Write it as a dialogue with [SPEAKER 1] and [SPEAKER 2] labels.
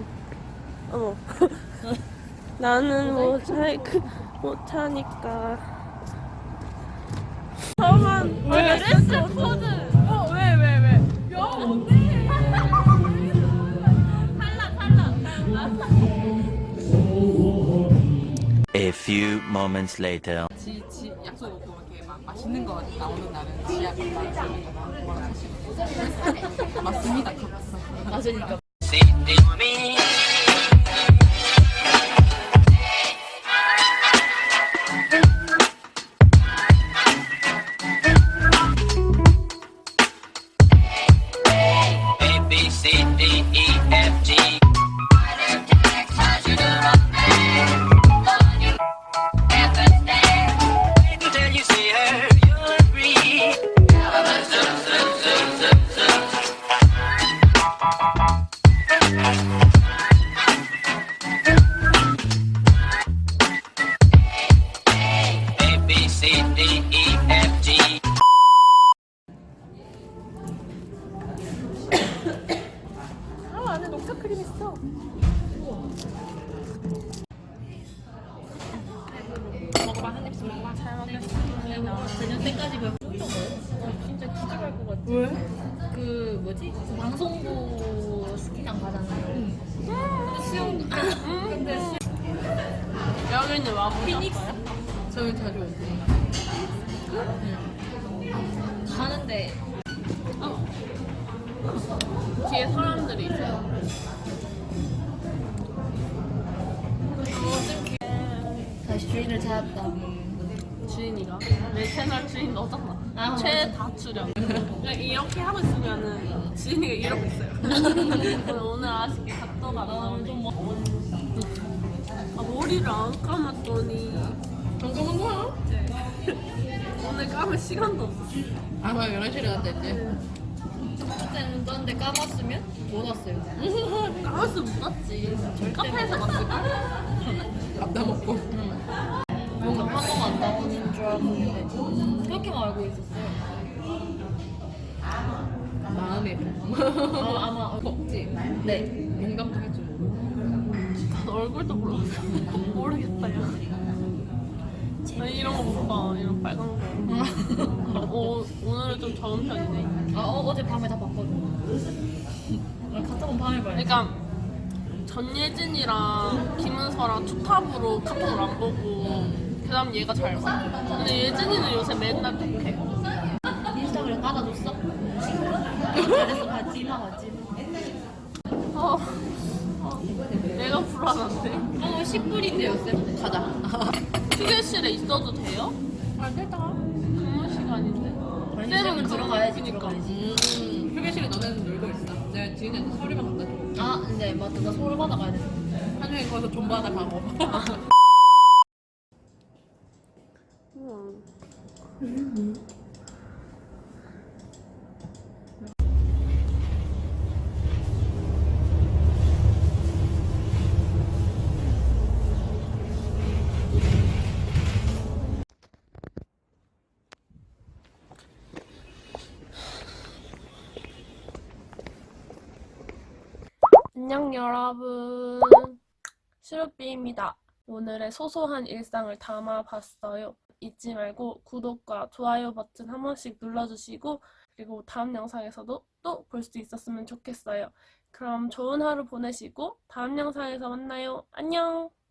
[SPEAKER 1] 어머. 나는 못하니까. 저만
[SPEAKER 2] 왜?
[SPEAKER 1] 드레스 코드.
[SPEAKER 2] 왜? 야, 뭔데?
[SPEAKER 3] A few moments later.
[SPEAKER 2] 지 약속 없고 이렇게 막 맛있는 거 나오는 날은 지야 간다. 뭐라 하시고. 맞습니다.
[SPEAKER 4] 맞으니까.
[SPEAKER 3] A B C D E F G. Until you see her, you'll agree. A B C D E F G.
[SPEAKER 1] 안에 녹차 크림 있어.
[SPEAKER 2] 먹어봐, 한 입씩 먹어봐. 잘
[SPEAKER 4] 내가 저녁 때까지 배고 싶은 거예요? 진짜 기절할 것 같아.
[SPEAKER 2] 왜?
[SPEAKER 4] 그 뭐지? 방송부 스키장 가잖아요. 수영. 근데
[SPEAKER 1] 여기는 와
[SPEAKER 4] 피닉스
[SPEAKER 2] 저희 자주 오세요.
[SPEAKER 4] 가는데
[SPEAKER 1] 뒤에 사람들이 있어요.
[SPEAKER 4] 다시 주인을 찾았다.
[SPEAKER 1] 주인이가 내 채널 주인 너잖아.
[SPEAKER 4] 아,
[SPEAKER 1] 최다 출연. 그냥 이렇게 하고 있으면은 주인이가 이러고 있어요. 오늘 아쉽게 각도가 안 나오네. 머리를 안 감았더니
[SPEAKER 2] 정정한 거야?
[SPEAKER 1] 오늘 감을 시간도 없어.
[SPEAKER 2] 아, 나 11시에 갔다 했지.
[SPEAKER 4] 그때는 떴는데 까봤으면 못 왔어요.
[SPEAKER 1] 감았으면 못 갔지. 카페에서 갔을까?
[SPEAKER 2] 밥다 먹고.
[SPEAKER 4] 뭔가 한동 안 나오는 줄 알고 있는데 그렇게만 알고 있었어요.
[SPEAKER 2] 마음의 병.
[SPEAKER 4] 아마
[SPEAKER 2] 덥지?
[SPEAKER 4] 네.
[SPEAKER 2] 용감도 해줘.
[SPEAKER 1] 난 얼굴도 몰랐어. 모르겠다, 야. 나 이런 거 못 봐. 이런 빨간 거. 오늘은 좀 적은 편이네.
[SPEAKER 4] 어제 밤에 다 봤거든. 갔다 온 밤에 봐요.
[SPEAKER 1] 그러니까 전예진이랑 김은서랑 투탑으로 카톡을 안 보고 그다음 얘가 잘 봐. 근데 예진이는 요새 맨날 톡해.
[SPEAKER 4] 인스타그램 깔아줬어? 잘했어. 봤지? 나 봤지?
[SPEAKER 1] 어, 내가 불안한데.
[SPEAKER 4] 10불인데요, 쌤. 가자.
[SPEAKER 1] 휴게실에 있어도 돼요?
[SPEAKER 2] 아, 됐다.
[SPEAKER 1] 근무 시간인데.
[SPEAKER 4] 쌤은 들어가야지,
[SPEAKER 1] 그러니까.
[SPEAKER 4] 들어가야지.
[SPEAKER 2] 휴게실에 너네는 놀고 있어. 내가 지인한테 서류만 갖다 줘.
[SPEAKER 4] 아, 근데 맞다. 나 서울 받아가야 돼.
[SPEAKER 2] 한영이 거기서 존버 하나 가고.
[SPEAKER 1] 안녕 여러분, 슈루비입니다. 오늘의 소소한 일상을 담아봤어요. 잊지 말고 구독과 좋아요 버튼 한 번씩 눌러주시고 그리고 다음 영상에서도 또 볼 수 있었으면 좋겠어요. 그럼 좋은 하루 보내시고 다음 영상에서 만나요. 안녕!